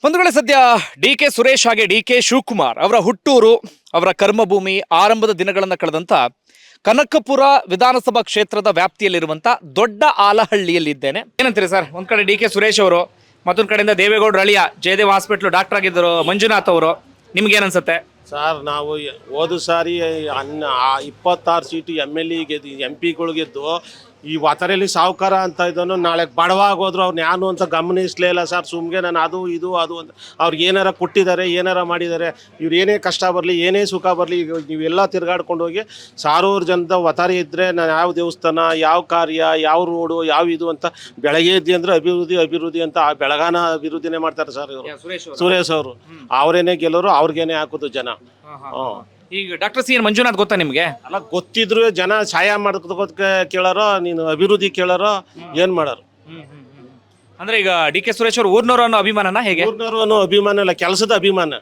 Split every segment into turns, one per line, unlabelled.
ಒಂದು ವೇಳೆ ಸದ್ಯ ಡಿ ಕೆ ಸುರೇಶ್ ಹಾಗೆ ಡಿ ಕೆ ಶಿವಕುಮಾರ್ ಅವರ ಹುಟ್ಟೂರು, ಅವರ ಕರ್ಮಭೂಮಿ, ಆರಂಭದ ದಿನಗಳನ್ನು ಕಳೆದಂತ ಕನಕಪುರ ವಿಧಾನಸಭಾ ಕ್ಷೇತ್ರದ ವ್ಯಾಪ್ತಿಯಲ್ಲಿರುವಂತ ದೊಡ್ಡ ಆಲಹಳ್ಳಿಯಲ್ಲಿದ್ದೇನೆ. ಏನಂತೀರಿ ಸರ್? ಒಂದ್ ಕಡೆ ಡಿ ಕೆ ಸುರೇಶ್ ಅವರು, ಮತ್ತೊಂದ್ ಕಡೆಯಿಂದ ದೇವೇಗೌಡರ ಅಳಿಯ ಜಯದೇವ್ ಹಾಸ್ಪಿಟ್ಲ್ ಡಾಕ್ಟರ್ ಆಗಿದ್ದರು ಮಂಜುನಾಥ್ ಅವರು. ನಿಮ್ಗೆ ಏನನ್ಸುತ್ತೆ
ಸರ್? ನಾವು ಹೋದ ಸಾರಿ 26 ಸೀಟು MLA ಗೆದ್ದು MP ಗಳು ಗೆದ್ದು ಈ ವಾತರೆಯಲ್ಲಿ ಸಾವುಕಾರ ಅಂತ ಇದನ್ನು ನಾಳೆ ಬಡವಾಗೋದ್ರು ಅವ್ರನ್ನ ಯಾನು ಅಂತ ಗಮನಿಸಲೇ ಇಲ್ಲ ಸರ್. ಸುಮ್ಗೆ ನಾನು ಅದು ಇದು ಅದು ಅಂತ ಅವ್ರಿಗೆ ಏನಾರ ಕೊಟ್ಟಿದ್ದಾರೆ, ಏನಾರ ಮಾಡಿದ್ದಾರೆ. ಇವ್ರು ಏನೇ ಕಷ್ಟ ಬರಲಿ, ಏನೇ ಸುಖ ಬರಲಿ, ನೀವೆಲ್ಲ ತಿರ್ಗಾಡ್ಕೊಂಡು ಹೋಗಿ 1000 ಜನದ ವತಾರಿ ಇದ್ದರೆ ನಾನು ಯಾವ ದೇವಸ್ಥಾನ, ಯಾವ ಕಾರ್ಯ, ಯಾವ ರೋಡು, ಯಾವ ಇದು ಅಂತ ಬೆಳಗ್ಗೆ ಎದ್ದು ಅಂದರೆ ಅಭಿವೃದ್ಧಿ ಅಭಿವೃದ್ಧಿ ಅಂತ ಆ ಬೆಳಗಾನ ಅಭಿವೃದ್ಧಿನೇ ಮಾಡ್ತಾರೆ ಸರ್ ಇವರು. ಸುರೇಶ್ ಅವರು ಅವರೇನೇ ಗೆಲ್ಲೋರು, ಅವ್ರಿಗೇನೆ ಹಾಕೋದು ಜನ.
ಈಗ ಡಾಕ್ಟರ್ ಸಿ ಎನ್ ಮಂಜುನಾಥ್ ಗೊತ್ತಾ ನಿಮ್ಗೆ?
ಅಲ್ಲ, ಗೊತ್ತಿದ್ರು ಜನ ಸಹಾಯ ಮಾಡೋದಕ್ಕೆ ಕೇಳಾರೋ, ನೀನು ಅಭಿವೃದ್ಧಿ ಕೇಳಾರೋ, ಏನ್ ಮಾಡೋರು?
ಅಂದ್ರೆ ಈಗ ಡಿ ಕೆ ಸುರೇಶ್ ಅವರು ಊರ್ನವರು ಅನ್ನೋ ಅಭಿಮಾನನ ಹೇಗೆ?
ಊರ್ನವರು ಅನ್ನೋ ಅಭಿಮಾನ ಇಲ್ಲ, ಕೆಲಸದ ಅಭಿಮಾನ.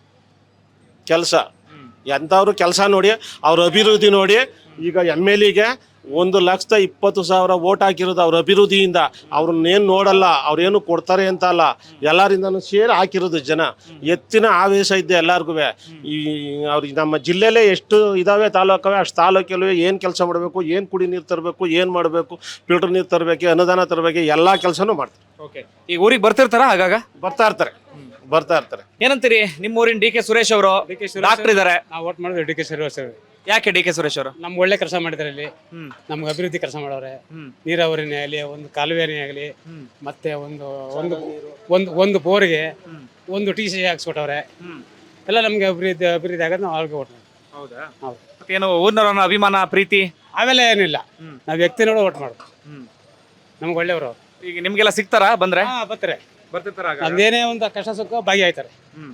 ಕೆಲಸ ಎಂಥವ್ರು ಕೆಲಸ ನೋಡಿ, ಅವ್ರ ಅಭಿವೃದ್ಧಿ ನೋಡಿ. ಈಗ MLA 1,20,000 ವೋಟ್ ಹಾಕಿರೋದು ಅವ್ರ ಅಭಿವೃದ್ಧಿಯಿಂದ. ಅವ್ರನ್ನೇನು ನೋಡಲ್ಲ, ಅವ್ರೇನು ಕೊಡ್ತಾರೆ ಅಂತ ಅಲ್ಲ, ಎಲ್ಲರಿಂದನೂ ಸೇರಿ ಹಾಕಿರೋದು ಜನ. ಎತ್ತಿನ ಆವೇಶ ಇದ್ದೆ ಎಲ್ಲರಿಗೂ. ಈ ಅವ್ರಿಗೆ ನಮ್ಮ ಜಿಲ್ಲೆಯಲ್ಲೇ ಎಷ್ಟು ಇದಾವೆ ತಾಲೂಕವೆ, ಅಷ್ಟು ತಾಲೂಕಲ್ಲೂ ಏನು ಕೆಲಸ ಮಾಡಬೇಕು, ಏನು ಕುಡಿ ನೀರು ತರಬೇಕು, ಏನು ಮಾಡಬೇಕು, ಫಿಲ್ಟರ್ ನೀರು ತರಬೇಕು, ಅನುದಾನ ತರಬೇಕು, ಎಲ್ಲ ಕೆಲಸನೂ ಮಾಡ್ತಾರೆ.
ಈಗ ಊರಿಗೆ ಬರ್ತಿರ್ತಾರ? ಆಗಾಗ
ಬರ್ತಾ ಇರ್ತಾರೆ.
ಏನಂತೀರಿ? ನಿಮ್ಮ ಊರಿನ ಡಿ ಕೆ ಸುರೇಶ್ ಅವರು ಡಾಕ್ಟರ್ ಇದಾರೆ,
ನಾವು ವೋಟ್ ಮಾಡಿದ್ವಿ ಡಿ ಕೆ ಸುರೇಶ್.
ಯಾಕೆ ಡಿ ಕೆ ಸುರೇಶ್ ಅವರು?
ನಮ್ಗೆ ಒಳ್ಳೆ ಕೆಲಸ ಮಾಡಿದಾರೆ. ಇಲ್ಲಿ ನಮ್ಗೆ ಅಭಿವೃದ್ಧಿ ಕೆಲಸ ಮಾಡೋರೆ. ನೀರಾವರಿನೇ ಆಗಲಿ, ಒಂದು ಕಾಲುವೆನೇ ಆಗಲಿ, ಮತ್ತೆ ಒಂದು ಬೋರ್ಗೆ ಒಂದು TC ಹಾಕ್ಸ್ಕೊಟ್ಟವ್ರೆ. ಎಲ್ಲ ನಮ್ಗೆ ಅಭಿವೃದ್ಧಿ ಆಗೋದು ನಾವು ಅವ್ರಿಗೆ ವೋಟ್ ಮಾಡ್ತೀವಿ.
ಹೌದಾ? ಏನು ಊರ್ನವ್ರ ಅಭಿಮಾನ, ಪ್ರೀತಿ
ಆಮೇಲೆ ಏನಿಲ್ಲ, ನಾವು ವ್ಯಕ್ತಿ ನೋಡಿ ವೋಟ್ ಮಾಡೋದು. ನಮ್ಗೆ ಒಳ್ಳೆಯವರು.
ಈಗ ನಿಮ್ಗೆಲ್ಲ ಸಿಗ್ತಾರಾ ಬಂದ್ರೆ?
ಬರ್ತಿರ್ತಾರ. ನಮ್ದೇನೇ ಒಂದು ಕಷ್ಟ ಸುಖ ಭಾಗಿಯಾಯ್ತಾರೆ.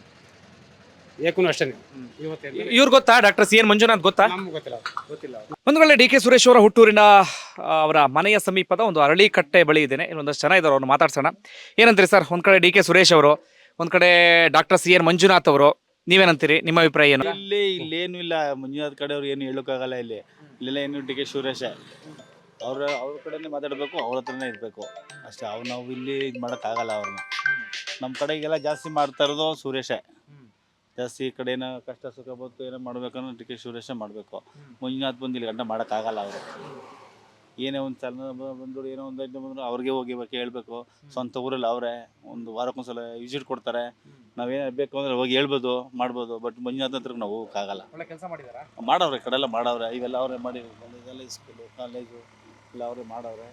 ಏಕೂ ಅಷ್ಟೇ.
ಇವ್ರು ಗೊತ್ತಾ? ಡಾಕ್ಟರ್ ಸಿ ಎನ್ ಮಂಜುನಾಥ್ ಗೊತ್ತಾ?
ನಮ್ಗೆ ಗೊತ್ತಿಲ್ಲ.
ಒಂದು ವೇಳೆ ಡಿ ಕೆ ಸುರೇಶ್ ಅವರ ಹುಟ್ಟೂರಿನ ಅವರ ಮನೆಯ ಸಮೀಪದ ಒಂದು ಅರಳಿಕಟ್ಟೆ ಬಳಿ ಇದ್ದೇನೆ. ಇನ್ನೊಂದಷ್ಟು ಜನ ಇದ್ದಾರೆ, ಅವ್ರನ್ನ ಮಾತಾಡ್ಸೋಣ. ಏನಂತೀರಿ ಸರ್? ಒಂದ್ ಕಡೆ ಡಿ ಕೆ ಸುರೇಶ್ ಅವರು, ಒಂದ್ ಕಡೆ ಡಾಕ್ಟರ್ ಸಿ ಎನ್ ಮಂಜುನಾಥ್ ಅವರು. ನೀವೇನಂತೀರಿ? ನಿಮ್ಮ ಅಭಿಪ್ರಾಯ ಏನು?
ಇಲ್ಲೇನು ಇಲ್ಲ, ಮಂಜುನಾಥ್ ಕಡೆ ಅವ್ರು ಏನು ಹೇಳೋಕ್ಕಾಗಲ್ಲ. ಇಲ್ಲೆಲ್ಲ ಏನು ಡಿ ಕೆ ಸುರೇಶ್ ಅವ್ರ ಕಡೆನೇ ಮಾತಾಡಬೇಕು, ಅವ್ರ ಹತ್ರನೇ ಇರಬೇಕು ಅಷ್ಟೇ. ನಾವು ಇಲ್ಲಿ ಇದು ಮಾಡೋಕ್ಕಾಗಲ್ಲ ಅವ್ರನ್ನ. ನಮ್ಮ ಕಡೆಗೆಲ್ಲ ಜಾಸ್ತಿ ಮಾಡ್ತಾ ಇರೋದು ಸುರೇಶೇ. ಜಾಸ್ತಿ ಈ ಕಡೆ ಏನೋ ಕಷ್ಟ ಸುಖ ಬಂತು ಏನೋ ಮಾಡ್ಬೇಕನ್ನೋ ಡಿ ಕೆ ಸುರೇಶೇ ಮಾಡಬೇಕು. ಮಂಜುನಾಥ್ ಬಂದು ಇಲ್ಲಿ ಗಂಟ ಮಾಡೋಕ್ಕಾಗಲ್ಲ ಅವರು. ಏನೇ ಒಂದು ಸಣ್ಣ ಬಂದರು, ಏನೋ ಒಂದು ಐಟಮ್ ಬಂದರು ಅವ್ರಿಗೆ ಹೋಗಿ ಹೇಳ್ಬೇಕು. ಸ್ವಂತ ಊರಲ್ಲಿ ಅವರೇ ಒಂದು ವಾರಕ್ಕೊಂದ್ಸಲ ವಿಸಿಟ್ ಕೊಡ್ತಾರೆ. ನಾವೇನು ಬೇಕು ಅಂದರೆ ಹೋಗಿ ಹೇಳ್ಬೋದು, ಮಾಡ್ಬೋದು. ಬಟ್ ಮಂಜುನಾಥ್ ಹತ್ರ ನಾವು ಹೋಗೋಕ್ಕಾಗಲ್ಲ. ಮಾಡವ್ರೆ, ಕಡೆ ಎಲ್ಲ ಮಾಡವ್ರೆ. ಇವೆಲ್ಲ ಅವರೇ ಮಾಡಿ, ಇದೆಲ್ಲ ಸ್ಕೂಲು, ಕಾಲೇಜು ಎಲ್ಲ ಅವರೇ ಮಾಡವ್ರೆ.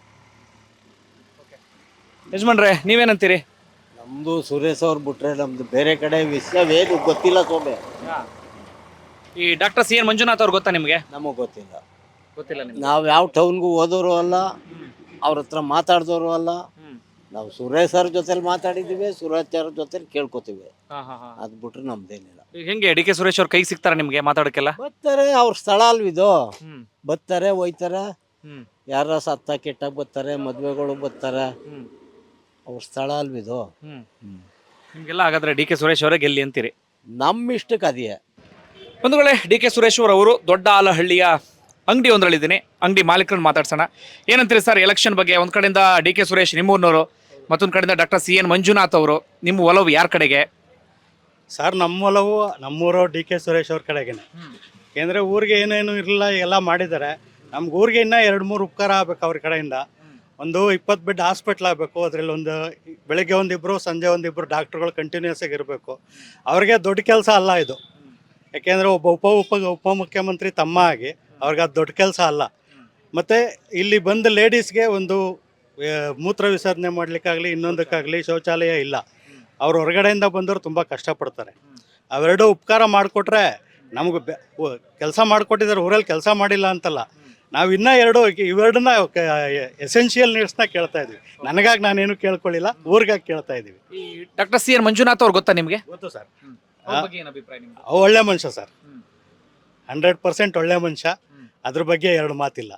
ಯಜಮಾನ್ರೆ, ನೀವೇನಂತೀರಿ?
ನಮ್ದು ಸುರೇಶ್ ಅವ್ರು ಬಿಟ್ರೆ ನಮ್ದು ಬೇರೆ ಕಡೆ ವಿಷಯವೇನು ಗೊತ್ತಿಲ್ಲ ಸೋಮೆ.
ಈ ಡಾಕ್ಟರ್ ಸಿ ಎನ್ ಮಂಜುನಾಥ್ ಅವ್ರು ಗೊತ್ತಾ ನಿಮ್ಗೆ?
ನಮಗ್ ಗೊತ್ತಿಲ್ಲ.
ನಿಮ್ಗೆ?
ನಾವು ಯಾವ ಟೌನ್ಗೂ ಹೋದವರು ಅಲ್ಲ, ಅವ್ರ ಹತ್ರ ಮಾತಾಡ್ದವರು ಅಲ್ಲ. ನಾವು ಸುರೇಶ್ ಅವ್ರ ಜೊತೆಲಿ ಮಾತಾಡಿದೀವಿ, ಸುರೇಶ್ ಅವ್ರ ಜೊತೆಲಿ ಕೇಳ್ಕೊತೀವಿ. ಅದ್ ಬಿಟ್ರೆ ನಮ್ದೇನಿಲ್ಲ.
ಹೆಂಗೆ ಡಿ ಕೆ ಸುರೇಶ್ ಅವ್ರ ಕೈ ಸಿಗ್ತಾರ ನಿಮ್ಗೆ ಮಾತಾಡಕ್ಕೆಲ್ಲ?
ಬರ್ತಾರೆ, ಅವ್ರ ಸ್ಥಳ ಅಲ್ವಿದು. ಬರ್ತಾರೆ, ಹೋಯ್ತಾರೆ. ಯಾರ ಸತ್ತ ಕೆಟ್ಟಾಗ ಬರ್ತಾರೆ, ಮದ್ವೆಗಳು ಬರ್ತಾರೆ. ಅವ್ರ ಸ್ಥಳ ಅಲ್ವಿದು.
ನಿಮ್ಗೆಲ್ಲ ಹಾಗಾದ್ರೆ ಡಿ ಕೆ ಸುರೇಶ್ ಅವರೇ ಗೆಲ್ಲಿ ಅಂತೀರಿ?
ನಮ್ಮ ಇಷ್ಟಕ್ಕೆ ಅದೇ.
ಒಂದು ವೇಳೆ ಡಿ ಕೆ ಸುರೇಶ್ ಅವರು ದೊಡ್ಡ ಆಲಹಳ್ಳಿಯ ಅಂಗಡಿ ಒಂದರಲ್ಲಿದ್ದೀನಿ, ಅಂಗಡಿ ಮಾಲೀಕರನ್ನು ಮಾತಾಡ್ಸೋಣ. ಏನಂತೀರಿ ಸರ್ ಎಲೆಕ್ಷನ್ ಬಗ್ಗೆ? ಒಂದ್ ಕಡೆಯಿಂದ ಡಿ ಕೆ ಸುರೇಶ್ ನಿಮ್ಮೂರ್ನವರು, ಮತ್ತೊಂದು ಕಡೆಯಿಂದ ಡಾಕ್ಟರ್ ಸಿ ಎನ್ ಮಂಜುನಾಥ್ ಅವರು. ನಿಮ್ಮ ಒಲವು ಯಾರ ಕಡೆಗೆ
ಸರ್? ನಮ್ಮ ಒಲವು ನಮ್ಮೂರು ಡಿ ಕೆ ಸುರೇಶ್ ಅವ್ರ ಕಡೆಗೇನೆ. ಏಕೆಂದರೆ ಊರಿಗೆ ಏನೇನು ಇರಲಿಲ್ಲ, ಎಲ್ಲ ಮಾಡಿದ್ದಾರೆ. ನಮ್ಗೆ ಊರಿಗೆ ಇನ್ನೂ 2-3 ಉಪಕಾರ ಆಗಬೇಕು ಅವ್ರ ಕಡೆಯಿಂದ. ಒಂದು 20 ಬೆಡ್ ಹಾಸ್ಪಿಟ್ಲ್ ಆಗಬೇಕು. ಅದರಲ್ಲಿ ಒಂದು ಬೆಳಗ್ಗೆ ಒಂದಿಬ್ಬರು, ಸಂಜೆ ಒಂದಿಬ್ಬರು ಡಾಕ್ಟ್ರುಗಳು ಕಂಟಿನ್ಯೂಸ್ ಆಗಿ ಇರಬೇಕು. ಅವ್ರಿಗೆ ದೊಡ್ಡ ಕೆಲಸ ಅಲ್ಲ ಇದು. ಯಾಕೆಂದರೆ ಒಬ್ಬ ಉಪಮುಖ್ಯಮಂತ್ರಿ ತಮ್ಮ ಆಗಿ ಅವ್ರಿಗೆ ಅದು ದೊಡ್ಡ ಕೆಲಸ ಅಲ್ಲ. ಮತ್ತು ಇಲ್ಲಿ ಬಂದ ಲೇಡೀಸ್ಗೆ ಒಂದು ಮೂತ್ರ ವಿಸರ್ಜನೆ ಮಾಡಲಿಕ್ಕಾಗಲಿ, ಇನ್ನೊಂದಕ್ಕಾಗಲಿ ಶೌಚಾಲಯ ಇಲ್ಲ. ಅವ್ರು ಹೊರಗಡೆಯಿಂದ ಬಂದವರು ತುಂಬ ಕಷ್ಟಪಡ್ತಾರೆ. ಅವೆರಡು ಉಪಕಾರ ಮಾಡಿಕೊಟ್ರೆ ನಮಗೆ ಕೆಲಸ ಮಾಡಿಕೊಟ್ಟಿದ್ದಾರೆ. ಊರಲ್ಲಿ ಕೆಲಸ ಮಾಡಿಲ್ಲ ಅಂತಲ್ಲ. ನಾವು ಇನ್ನೂ ಇವೆರಡನ್ನ ಎಸೆನ್ಷಿಯಲ್ ನೀಡ್ಸ್ನ ಕೇಳ್ತಾ ಇದ್ವಿ. ನನಗಾಗಿ ನಾನೇನು ಕೇಳ್ಕೊಳ್ಳಿಲ್ಲ, ಊರಿಗಾಗಿ ಕೇಳ್ತಾ ಇದ್ದೀವಿ.
ಡಾಕ್ಟರ್ ಸಿ ಎನ್ ಮಂಜುನಾಥ್ ಅವ್ರು ಗೊತ್ತಾ ನಿಮಗೆ?
ಗೊತ್ತು ಸರ್. ಒಳ್ಳೆ ಮನುಷ್ಯ ಸರ್, 100% ಒಳ್ಳೆ ಮನುಷ್ಯ. ಅದ್ರ ಬಗ್ಗೆ ಎರಡು ಮಾತಿಲ್ಲ.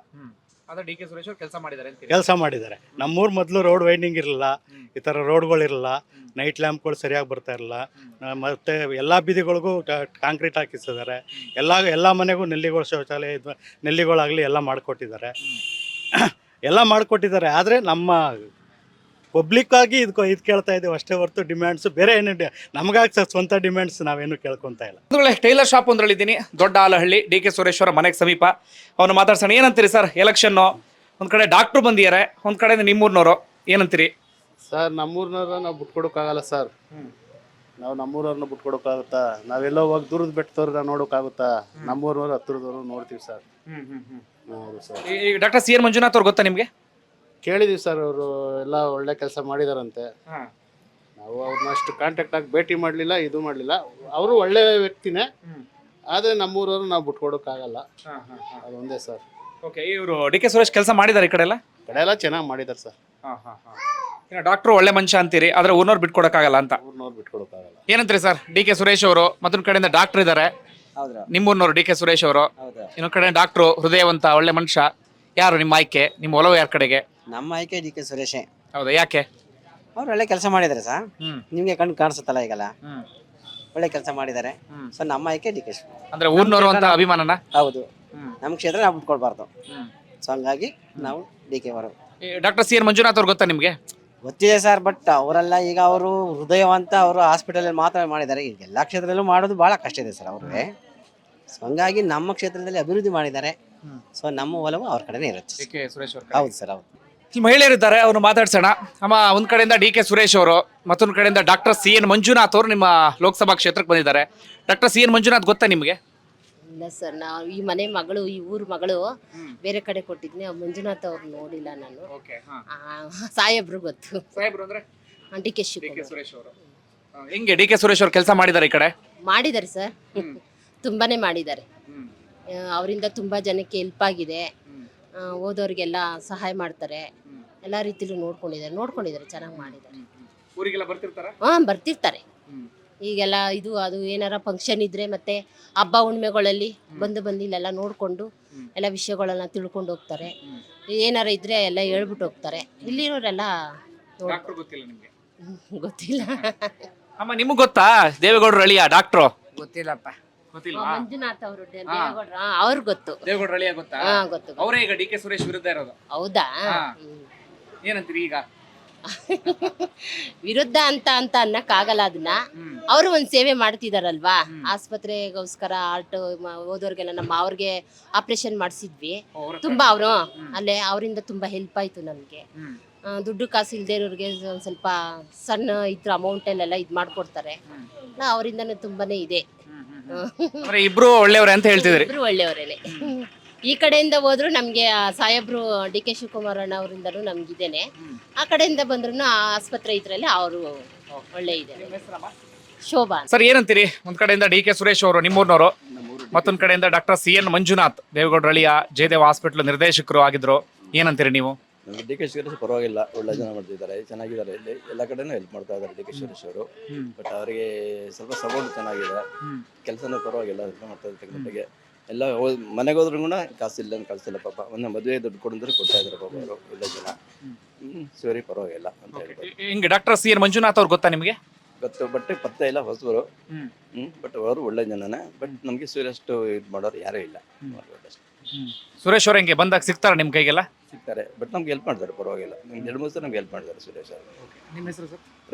ಕೆಲಸ ಮಾಡಿದ್ದಾರೆ. ನಮ್ಮೂರು ಮೊದಲು ರೋಡ್ ವೈಂಡಿಂಗ್ ಇರಲಿಲ್ಲ, ಈ ಥರ ರೋಡ್ಗಳಿರಲಿಲ್ಲ, ನೈಟ್ ಲ್ಯಾಂಪ್ಗಳು ಸರಿಯಾಗಿ ಬರ್ತಾ ಇರಲಿಲ್ಲ. ಮತ್ತು ಎಲ್ಲ ಬೀದಿಗಳಿಗೂ ಕಾಂಕ್ರೀಟ್ ಹಾಕಿಸಿದ್ದಾರೆ. ಎಲ್ಲ ಮನೆಗೂ ನೆಲ್ಲಿಗಳು ಶೌಚಾಲಯ, ನೆಲ್ಲಿಗಳಾಗಲಿ ಎಲ್ಲ ಮಾಡಿಕೊಟ್ಟಿದ್ದಾರೆ. ಆದರೆ ನಮ್ಮ ಪಬ್ಲಿಕ್ ಆಗಿ ಇದು ಕೇಳ್ತಾ ಇದ್ದೀವಿ ಅಷ್ಟೇ ಹೊರತು ಡಿಮ್ಯಾಂಡ್ಸ್ ಬೇರೆ ಏನು ನಮಗಾಗಿ ಸ್ವಂತ ಡಿಮ್ಯಾಂಡ್ಸ್ ನಾವೇನು ಕೇಳ್ಕೊತಾ ಇಲ್ಲ.
ಒಂದು ವೇಳೆ ಟೈಲರ್ ಶಾಪ್ ಒಂದ್ರಲ್ಲಿದ್ದೀನಿ, ದೊಡ್ಡ ಆಲಹಳ್ಳಿ, ಡಿ ಕೆ ಸುರೇಶ್ವರ ಮನೆಗೆ ಸಮೀಪ. ಅವನು ಮಾತಾಡ್ಸೋಣ. ಏನಂತೀರಿ ಸರ್, ಎಲೆಕ್ಷನ್ನು ಒಂದ್ ಕಡೆ ಡಾಕ್ಟ್ರು ಬಂದಿದ್ದಾರೆ, ಒಂದ್ ಕಡೆ ನಿಮ್ಮೂರ್ನವರು, ಏನಂತೀರಿ?
ಸರ್ ನಮ್ಮೂರ್ನವ್ರ ನಾವು ಬಿಟ್ಕೊಡೋಕ್ಕಾಗಲ್ಲ ಸರ್. ನಾವು ನಮ್ಮೂರವ್ರನ್ನ ಬಿಟ್ಕೊಡೋಕ್ಕಾಗುತ್ತಾ? ನಾವೆಲ್ಲೋ ಹೋಗಿ ದೂರದ ಬೆಟ್ಟದವ್ರನ್ನ ನೋಡೋಕ್ಕಾಗುತ್ತಾ? ನಮ್ಮೂರವ್ರು ಹತ್ತಿರದವ್ರು ನೋಡ್ತೀವಿ ಸರ್. ಹೌದು ಸರ್.
ಈ ಡಾಕ್ಟರ್ ಸಿ ಎನ್ ಮಂಜುನಾಥ್ ಅವ್ರು ಗೊತ್ತಾ ನಿಮ್ಗೆ?
ಕೇಳಿದೀವಿ ಸರ್, ಅವರು ಎಲ್ಲ ಒಳ್ಳೆ ಕೆಲಸ ಮಾಡಿದಾರಂತೆ. ನಾವು ಅವ್ರನ್ನ ಅಷ್ಟು ಕಾಂಟ್ಯಾಕ್ಟ್ ಆಗಿ ಭೇಟಿ ಮಾಡಲಿಲ್ಲ, ಇದು ಮಾಡಲಿಲ್ಲ. ಅವರು ಒಳ್ಳೆ ವ್ಯಕ್ತಿನೇ, ಆದರೆ ನಮ್ಮೂರವ್ರು ನಾವು ಬಿಟ್ಕೊಡೋಕ್ಕಾಗಲ್ಲ, ಅದೊಂದೇ ಸರ್.
ಓಕೆ, ಇವರು ಡಿ ಕೆ ಸುರೇಶ್ ಕೆಲಸ ಮಾಡಿದ್ದಾರೆ ಈ ಕಡೆ ಎಲ್ಲ?
ಕಡೆ ಎಲ್ಲ ಚೆನ್ನಾಗಿ ಮಾಡಿದ್ದಾರೆ ಸರ್.
ಡಾಕ್ಟ್ರು ಒಳ್ಳೆ ಮನುಷ್ಯ ಅಂತೀರಿ, ಆದ್ರೆ ಊರ್ನವ್ರು ಬಿಟ್ಕೊಡಕ್ಕಾಗಲ್ಲ ಅಂತ.
ಊರ್ನವ್ರು ಬಿಟ್ಕೊಡೋಕ್ಕಾಗಲ್ಲ.
ಏನಂತೀರಿ ಸರ್? ಡಿ ಕೆ ಸುರೇಶ್ ಅವರು ಮತ್ತೊಂದ್ ಕಡೆಯಿಂದ ಡಾಕ್ಟರ್ ಇದ್ದಾರೆ, ನಿಮ್ಮೂರ್ನವ್ರು ಡಿ ಕೆ ಸುರೇಶ್ ಅವರು, ಇನ್ನೊಂದ್ ಕಡೆ ಡಾಕ್ಟ್ರು ಹೃದಯವಂತ ಒಳ್ಳೆ ಮನುಷ್ಯ. ಯಾರು ನಿಮ್ಮ ಆಯ್ಕೆ, ನಿಮ್ಮ ಒಲವು ಯಾರ ಕಡೆಗೆ?
ನಮ್ಮ ಆಯ್ಕೆ ಡಿ ಕೆ ಸುರೇಶೇ.
ಹೌದಾ, ಯಾಕೆ?
ಅವ್ರು ಒಳ್ಳೆ ಕೆಲಸ ಮಾಡಿದ್ದಾರೆ ಸರ್. ನಿಮ್ಗೆ ಕಣ್ಣು ಕಾಣಿಸುತ್ತಲ್ಲ ಈಗಲ್ಲ, ಒಳ್ಳೆ ಕೆಲಸ ಮಾಡಿದ್ದಾರೆ. ಸೊ ನಮ್ಮ ಆಯ್ಕೆ ಡಿ ಕೆ ಸುರೇಶ್.
ಅಂದ್ರೆ ಊರ್ನವರು ಅಂತ ಅಭಿಮಾನನ?
ಹೌದು, ನಮ್ಮ ಕ್ಷೇತ್ರ ನಾವು ಬಿಟ್ಕೊಡ್ಬಾರ್ದು. ಸೊ ಹಂಗಾಗಿ ನಾವು ಡಿ ಕೆ ಅವರು.
ಡಾಕ್ಟರ್ ಸಿ ಎನ್ ಮಂಜುನಾಥ್ ಅವ್ರು ಗೊತ್ತಾ ನಿಮ್ಗೆ?
ಗೊತ್ತಿದೆ ಸರ್, ಬಟ್ ಅವರೆಲ್ಲ ಈಗ ಅವರು ಹೃದಯವಂತ ಅವರು ಹಾಸ್ಪಿಟಲಲ್ಲಿ ಮಾತ್ರ ಮಾಡಿದ್ದಾರೆ. ಈಗ ಎಲ್ಲ ಕ್ಷೇತ್ರದಲ್ಲೂ ಮಾಡೋದು ಭಾಳ ಕಷ್ಟ ಇದೆ ಸರ್ ಅವ್ರಿಗೆ. ಸೊ ಹಂಗಾಗಿ ನಮ್ಮ ಕ್ಷೇತ್ರದಲ್ಲಿ ಅಭಿವೃದ್ಧಿ ಮಾಡಿದ್ದಾರೆ. ಸೊ ನಮ್ಮ ಒಲವು ಅವ್ರ ಕಡೆನೇ ಇರುತ್ತೆ. ಹೌದು ಸರ್, ಹೌದು.
ಇಲ್ಲಿ ಮಹಿಳೆಯರಿದ್ದಾರೆ, ಅವ್ರು ಮಾತಾಡ್ಸೋಣ. ಅಮ್ಮ, ಒಂದ್ ಕಡೆಯಿಂದ ಡಿ ಕೆ ಸುರೇಶ್ ಅವರು, ಮತ್ತೊಂದ್ ಕಡೆಯಿಂದ ಡಾಕ್ಟರ್ ಸಿ ಎನ್ ಮಂಜುನಾಥ್ ಅವರು ನಿಮ್ಮ ಲೋಕಸಭಾ ಕ್ಷೇತ್ರಕ್ಕೆ ಬಂದಿದ್ದಾರೆ. ಡಾಕ್ಟರ್ ಸಿ ಎನ್ ಮಂಜುನಾಥ್ ಗೊತ್ತಾ ನಿಮ್ಗೆ?
ಇಲ್ಲ ಸರ್, ನಾವು ಈ ಮನೆ ಮಗಳು, ಈ ಊರ್ ಮಗಳು ಬೇರೆ ಕಡೆ ಕೊಟ್ಟಿದ್ನಿ. ಮಂಜುನಾಥ್ ಅವ್ರು ನೋಡಿಲ್ಲ ನಾನು. ಸಾಹೇಬ್ರು ಗೊತ್ತು. ಡಿ ಕೆ
ಸುರೇಶ್ ಅವರು ಹೆಂಗೆ? ಡಿ ಕೆ ಸುರೇಶ್ ಅವರು ಕೆಲಸ ಮಾಡಿದ್ದಾರೆ ಈ ಕಡೆ?
ಮಾಡಿದ್ದಾರೆ ಸರ್, ತುಂಬಾನೇ ಮಾಡಿದ್ದಾರೆ. ಅವರಿಂದ ತುಂಬಾ ಜನಕ್ಕೆ ಹೆಲ್ಪ್ ಆಗಿದೆ. ಓದೋರಿಗೆಲ್ಲ ಸಹಾಯ ಮಾಡ್ತಾರೆ. ಎಲ್ಲ ರೀತಿಲೂ ನೋಡ್ಕೊಂಡಿದ್ದಾರೆ, ಚೆನ್ನಾಗಿ ಮಾಡಿದ್ದಾರೆ.
ಊರಿಗೆಲ್ಲ ಬರ್ತಿರ್ತಾರ?
ಬರ್ತಿರ್ತಾರೆ. ಈಗೆಲ್ಲ ಇದು ಅದು ಏನಾರ ಫಂಕ್ಷನ್ ಇದ್ರೆ ಮತ್ತೆ ಹಬ್ಬ ಹುಣ್ಮೆಗಳಲ್ಲಿ ಬಂದು ಇಲ್ಲೆಲ್ಲ ನೋಡ್ಕೊಂಡು ಎಲ್ಲ ವಿಷಯಗಳನ್ನ ತಿಳ್ಕೊಂಡು ಹೋಗ್ತಾರೆ. ಏನಾರ ಇದ್ರೆ ಎಲ್ಲ ಹೇಳ್ಬಿಟ್ಟು ಹೋಗ್ತಾರೆ. ಇಲ್ಲಿರೋರೆಲ್ಲ ಗೊತ್ತಿಲ್ಲ.
ಅಮ್ಮ, ನಿಮಗ್ ಗೊತ್ತಾ ದೇವೇಗೌಡರು ಅಳಿಯ ಡಾಕ್ಟ್ರು?
ಗೊತ್ತಿಲ್ಲಪ್ಪ.
ಮಂಜುನಾಥ್ ಅವರು ಅವ್ರು ಗೊತ್ತು.
ದೇವೇಗೌಡರು ಅಳಿಯ ಗೊತ್ತಾ?
ಗೊತ್ತು.
ಅವರೇ ಈಗ ಡಿ ಕೆ ಸುರೇಶ್ ವಿರುದ್ಧ ಇರೋದು.
ಹೌದಾ?
ಏನಂತೀರಿ ಈಗ?
ವಿರುದ್ಧ ಅಂತ ಅನ್ನಕ್ಕಾಗಲ್ಲ. ಅದನ್ನ ಅವರು ಒಂದ್ ಸೇವೆ ಮಾಡ್ತಿದಾರಲ್ವಾ, ಆಸ್ಪತ್ರೆಗೋಸ್ಕರ ಆರ್ಟ್ ಓದೋರ್ಗೆಲ್ಲ ನಮ್ಮ ಅವ್ರಿಗೆ ಆಪರೇಷನ್ ಮಾಡಿಸಿದ್ವಿ. ತುಂಬಾ ಅವರು ಅಲ್ಲೇ ಅವರಿಂದ ತುಂಬಾ ಹೆಲ್ಪ್ ಆಯ್ತು ನಮ್ಗೆ. ದುಡ್ಡು ಕಾಸು ಇಲ್ದೇ ಇರೋರಿಗೆ ಒಂದ್ ಸ್ವಲ್ಪ ಸಣ್ಣ ಇದ್ರ ಅಮೌಂಟ್ ಅಲ್ಲೆಲ್ಲ ಇದ್ ಮಾಡ್ಕೊಡ್ತಾರೆ. ಅವರಿಂದನೂ ತುಂಬಾನೇ ಇದೆ.
ಇಬ್ರು ಒಳ್ಳೆಯವ್ರೆ ಅಂತ ಹೇಳ್ತಿದ್ರಿ?
ಇಬ್ರು ಒಳ್ಳೆಯವರೇನೆ. ಈ ಕಡೆಯಿಂದ ಹೋದ್ರು ನಮ್ಗೆ ಸಾಹೇಬ್ರು ಡಿ ಕೆ ಶಿವಕುಮಾರ್ ಅಣ್ಣ ಅವರಿಂದನೂ ನಮ್ಗಿದ್ದೇನೆ. ಆ ಕಡೆಯಿಂದ ಬಂದ್ರು ಆಸ್ಪತ್ರೆ ಇದ್ರಲ್ಲಿ ಅವರು ಒಳ್ಳೆ ಇದೆ. ಶೋಭಾ.
ಸರ್, ಏನಂತೀರಿ? ಒಂದ್ ಕಡೆಯಿಂದ ಡಿ ಕೆ ಸುರೇಶ್ ಅವರು ನಿಮ್ಮೂರ್ನವರು, ಮತ್ತೊಂದ್ ಕಡೆಯಿಂದ ಡಾಕ್ಟರ್ ಸಿ ಎನ್ ಮಂಜುನಾಥ್ ದೇವೇಗೌಡರ ಅಳಿಯ ಜಯದೇವ ಹಾಸ್ಪಿಟಲ್ ನಿರ್ದೇಶಕರು ಆಗಿದ್ರು. ಏನಂತೀರಿ ನೀವು?
ಡಿ ಕೆ ಸುರೇಶ್ ಪರವಾಗಿಲ್ಲ, ಒಳ್ಳೆ ಜನ ಮಾಡ್ತಿದ್ದಾರೆ, ಚೆನ್ನಾಗಿದ್ದಾರೆ. ಇಲ್ಲಿ ಎಲ್ಲ ಕಡೆನೂ ಹೆಲ್ಪ್ ಮಾಡ್ತಾ ಇದ್ದಾರೆ ಡಿ ಕೆ ಸುರೇಶ್ ಅವರು. ಬಟ್ ಅವರಿಗೆ ಸ್ವಲ್ಪ ಸಪೋರ್ಟ್ ಚೆನ್ನಾಗಿದೆ, ಕೆಲಸನೂ ಪರವಾಗಿಲ್ಲ, ಹೆಲ್ಪ್ ಮಾಡ್ತಾ ಇದ್ದಾರೆ ಮಟ್ಟಿಗೆ. ಎಲ್ಲ ಮನೆಗೆ ಹೋದ್ರೂ ಕೂಡ ಕಾಸಿಲ್ಲ ಕಳ್ಸಿಲ್ಲ ಪಾಪ. ಒಂದು ಮದುವೆ ದುಡ್ಡು ಕೊಡಿದ್ರೆ ಕೊಡ್ತಾ ಇದ್ದಾರೆ ಪಾಪ ಅವರು, ಒಳ್ಳೆ ಜನ. ಸರಿ, ಪರವಾಗಿಲ್ಲ ಅಂತ ಹೇಳ್ಬೋದು.
ಹಿಂಗೆ ಡಾಕ್ಟರ್ ಸಿ ಎನ್ ಮಂಜುನಾಥ್ ಅವ್ರು ಗೊತ್ತಾ ನಿಮಗೆ?
ಗೊತ್ತು, ಬಟ್ ಪತ್ತೆ ಇಲ್ಲ, ಹೊಸಬರು. ಬಟ್ ಅವರು ಒಳ್ಳೆ ಜನನೇ. ಬಟ್ ನಮಗೆ ಸೂರ್ಯಷ್ಟು ಇದು ಮಾಡೋರು ಯಾರೂ ಇಲ್ಲ.
ಸುರೇಶ್ ಅವ್ರ ಹೆಂಗೆ ಬಂದಾಗ ಸಿಗ್ತಾರ ನಿಮ್ಮ ಕೈಗೆಲ್ಲ?
ಸಿಗ್ತಾರೆ, ಬಟ್ ನಮ್ಗೆ ಹೆಲ್ಪ್ ಮಾಡ್ತಾರೆ, ಪರವಾಗಿಲ್ಲ. ನಮ್ಗೆ 2-3 ಸಲ ನಮ್ಗೆ ಹೆಲ್ಪ್ ಮಾಡಿದ್ದಾರೆ ಸುರೇಶ್ ಅವರು.
ನಿಮ್ಮ ಹೆಸರು ಸರ್?